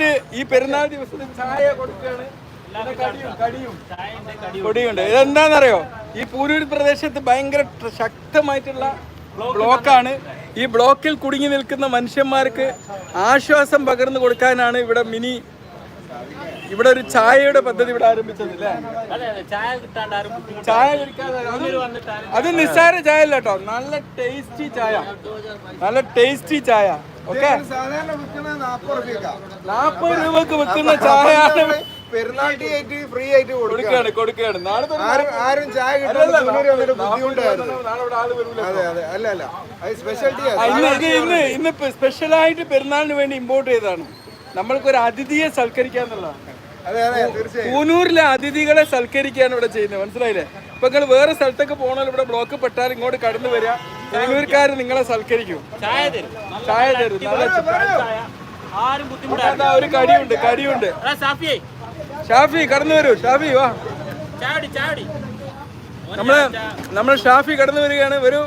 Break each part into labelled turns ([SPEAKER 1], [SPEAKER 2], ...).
[SPEAKER 1] ആയിട്ട് ഈ പെരുന്നാൾ ദിവസത്തിൽ ചായ കൊടുക്കുകയാണ്. കൊടിയുണ്ട്. ഇതെന്താണെന്നറിയോ, ഈ പൂരൂർ പ്രദേശത്ത് ഭയങ്കര ശക്തമായിട്ടുള്ള ബ്ലോക്കാണ്. ഈ ബ്ലോക്കിൽ കുടുങ്ങി നിൽക്കുന്ന മനുഷ്യന്മാർക്ക് ആശ്വാസം പകർന്നു കൊടുക്കാനാണ് ഇവിടെ ഒരു ചായയുടെ പദ്ധതി ഇവിടെ ആരംഭിച്ചത് അല്ലേ? ചായ അത് നിസ്സാര ചായ അല്ല കേട്ടോ, നല്ല ടേസ്റ്റി ചായ. ഓക്കെ, 40 രൂപക്ക് വെക്കുന്ന ചായ
[SPEAKER 2] ഫ്രീ ആയിട്ട്
[SPEAKER 1] കൊടുക്കുകയാണ്.
[SPEAKER 2] ആരും ചായ
[SPEAKER 1] ഇന്ന് സ്പെഷ്യലായിട്ട് പെരുന്നാളിന് വേണ്ടി ഇമ്പോർട്ട് ചെയ്തതാണ്. നമ്മൾക്കൊരു അതിഥിയെ സൽക്കരിക്കാന്നുള്ളതാണ്. കൂനൂരിലെ അതിഥികളെ സൽക്കരിക്കുകയാണ് ഇവിടെ ചെയ്യുന്നത്, മനസ്സിലായില്ലേ? ഇപ്പൊ നിങ്ങൾ വേറെ സ്ഥലത്തൊക്കെ പോകണല്ലോ, ഇവിടെ ബ്ലോക്ക് പെട്ടാൽ ഇങ്ങോട്ട് കടന്നു വരിക, കൂനൂർക്കാർ നിങ്ങളെ സൽക്കരിക്കും. ചായ തരും. ഒരു കടിയുണ്ട്. ഷാഫി കടന്നു വരൂ. ഷാഫി വാ, നമ്മള് ഷാഫി കടന്നു വരികയാണ്. വരൂ.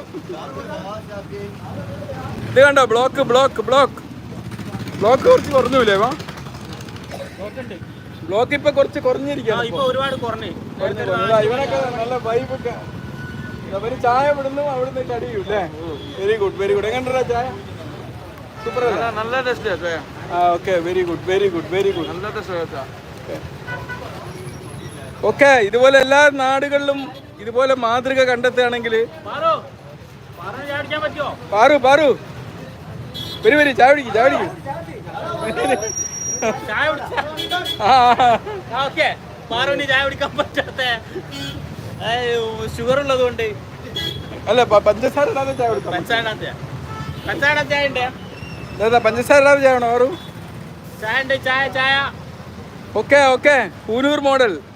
[SPEAKER 1] ഇത് കണ്ടോ, ബ്ലോക്ക് കുറച്ച് കുറഞ്ഞൂലേ? വാ, ബ്ലോക്ക് ഇപ്പൊ കുറച്ച് കുറഞ്ഞിരിക്കുകയാണ്. ഇവനൊക്കെ നല്ല വൈബൊക്കെ. അവര് ചായ വിടുന്നു, അവിടുന്ന് കടിയൂല്ലേ? Very good. എങ്ങനെയാ ചായ? സൂപ്പർ, നല്ല ടേസ്റ്റ്. Okay, very good. നല്ല ടേസ്റ്റ്. ഓക്കെ, ഇതുപോലെ എല്ലാ നാടുകളിലും ഇതുപോലെ മാതൃക കണ്ടെത്തുകയാണെങ്കിൽ പാറു വരി ചായ പിടിക്കും.
[SPEAKER 3] ഷുഗർ ഉള്ളതുകൊണ്ട്
[SPEAKER 1] അല്ല, പഞ്ചസാര ഇല്ലാതെ ചായ കുടിക്കാം. പഞ്ചസാര ഇല്ലാതെ ചായ വേണോ?
[SPEAKER 3] ചായ.
[SPEAKER 1] Okay, Coonoor model.